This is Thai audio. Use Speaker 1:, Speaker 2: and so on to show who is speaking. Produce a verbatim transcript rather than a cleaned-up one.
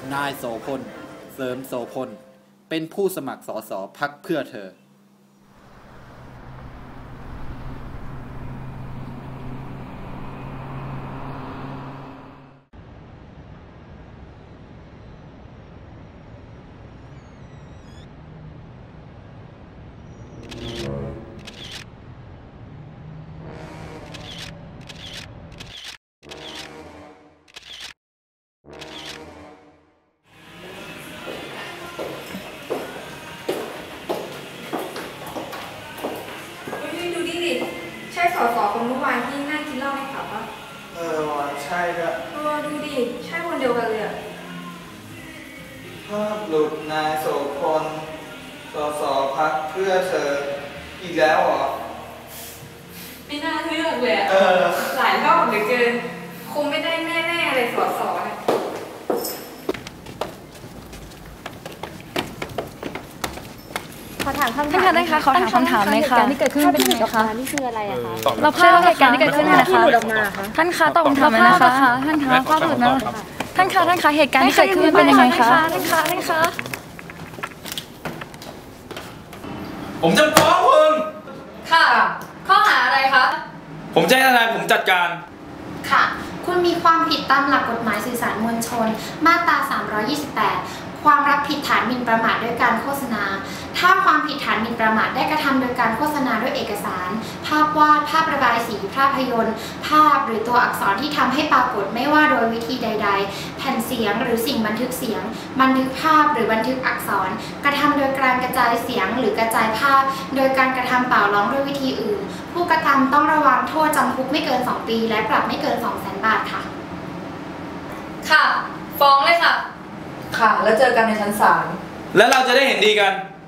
Speaker 1: นายโสพลเสริมโสพลเป็นผู้สมัครสสพรรคเพื่อเธอ
Speaker 2: ใช่สสคนเมื่อวานที่นั่งกินเหล้าในผับปะ
Speaker 3: เออว่ะใช่ด้วย
Speaker 2: เออดูดิใช่คนเดียวกันเลยอะ
Speaker 3: ภาพหลุดนายโสพลสสพรรคเพื่อเธออีกแล้วเหรอ
Speaker 2: ไม่น่าเลือกเลยอะ
Speaker 3: เออ
Speaker 2: หลายรอบเหลือเกินคงไม่ได้แน่ๆเลยสสเนี่ย
Speaker 4: ขอถามคำถามท่านคะขอถามคำถามเลยค่ะที่เกิดขึ้นเป็นยังไงคะนี่คืออะไรอะคะเราภาพเหตุการณ์ที่เกิดขึ้นนะคะท่านคะตอบคำถามนะคะท่านคะภาพหลุดมาท่านคะท่านคะเหตุการณ์ที่เกิดขึ้นเป็นยังไงคะท่านคะท่านคะ
Speaker 5: ผมจะฟ้องคุณ
Speaker 2: ค่ะข้อหาอะไรคะ
Speaker 5: ผมจะให้ทนายผมจัดการ
Speaker 6: ค่ะคุณมีความผิดตามหลักกฎหมายสื่อสารมวลชนมาตราสามร้อยยี่สิบแปดความรับผิดฐานหมิ่นประมาทด้วยการโฆษณาถ้าความผิดฐานหมิ่นประมาทได้กระทำโดยการโฆษณาด้วยเอกสารภาพวาดภาพระบายสีภาพยนตร์ภาพหรือตัวอักษรที่ทำให้ปรากฏไม่ว่าโดยวิธีใดๆแผ่นเสียงหรือสิ่งบันทึกเสียงบันทึกภาพหรือบันทึกอักษรกระทำโดยการกระจายเสียงหรือกระจายภาพโดยการกระทำเปล่าร้องด้วยวิธีอื่นผู้กระทำต้องระวังโทษจำคุกไม่เกินสองปีและปรับไม่เกิน สองแสน บาทค่ะ
Speaker 2: ค่ะฟ้องเลยค่ะค่ะแล้วเจอกันในชั้นศาล
Speaker 5: แล้วเราจะได้เห็นดีกัน